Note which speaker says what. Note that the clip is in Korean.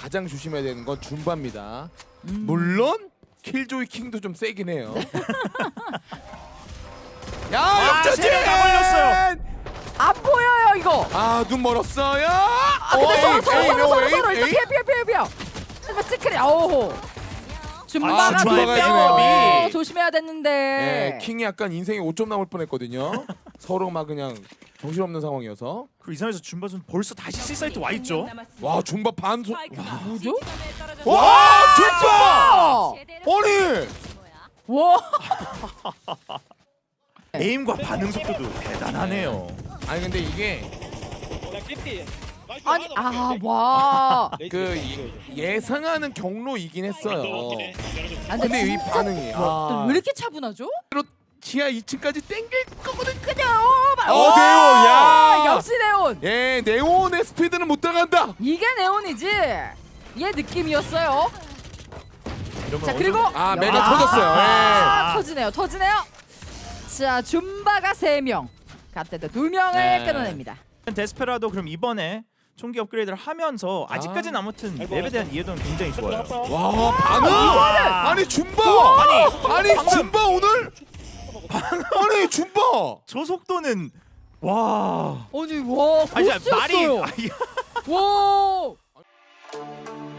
Speaker 1: 가장 조심해야 되는 건 줌바입니다. 물론 킬조이 킹도 좀 세긴 해요. 야, 역전진!
Speaker 2: 세레가 걸렸어요.
Speaker 3: 안 보여요 이거.
Speaker 1: 아, 눈 멀었어요.
Speaker 3: 근데 서로
Speaker 1: 에임,
Speaker 3: 일단 피해. 이거 시크릿. 오. 줌바가
Speaker 1: 아, 줌바가
Speaker 2: 지네요.
Speaker 3: 조심해야 됐는데.
Speaker 1: 네, 킹이 약간 인생에 5점 남을 뻔했거든요. 서로 막 그냥 정신없는 상황이어서.
Speaker 2: 그 이상해서 줌바 선 벌써 다시 C 사이트 와 있죠.
Speaker 1: 와, 줌바 반소.
Speaker 3: 뭐죠?
Speaker 1: 와, 줌바!
Speaker 3: 아!
Speaker 1: 아니!
Speaker 3: 와.
Speaker 2: 에임과 반응 속도도 대단하네요.
Speaker 1: 아니 근데 이게
Speaker 3: 아니 와.
Speaker 1: 그 예상하는 경로이긴 했어요.
Speaker 3: 아,
Speaker 1: 근데 이
Speaker 3: 진짜
Speaker 1: 반응이
Speaker 3: 왜 이렇게 차분하죠?
Speaker 1: 지하 2층까지 땡길 거거든.
Speaker 3: 그냥
Speaker 1: 어, 네온, 야!
Speaker 3: 역시 네온.
Speaker 1: 예, 네온의 스피드는 못 따라간다.
Speaker 3: 이게 네온이지. 얘 느낌이었어요. 자 그리고
Speaker 1: 아, 메가 터졌어요.
Speaker 3: 아,
Speaker 1: 예.
Speaker 3: 터지네요. 자 줌바가 3명, 갓데드 2명을
Speaker 1: 네.
Speaker 3: 끊어냅니다.
Speaker 2: 데스페라도 그럼 이번에 총기 업그레이드를 하면서 아직까지는 아무튼 맵에 대한 이해도는 굉장히 좋아요.
Speaker 1: 와, 반응! 아니 줌바! 아니 줌바 오늘? 아니 줌바!
Speaker 2: 저 속도는 와.
Speaker 3: 아니 와
Speaker 2: 아니, 진짜 말이
Speaker 3: 고스였어요. 와.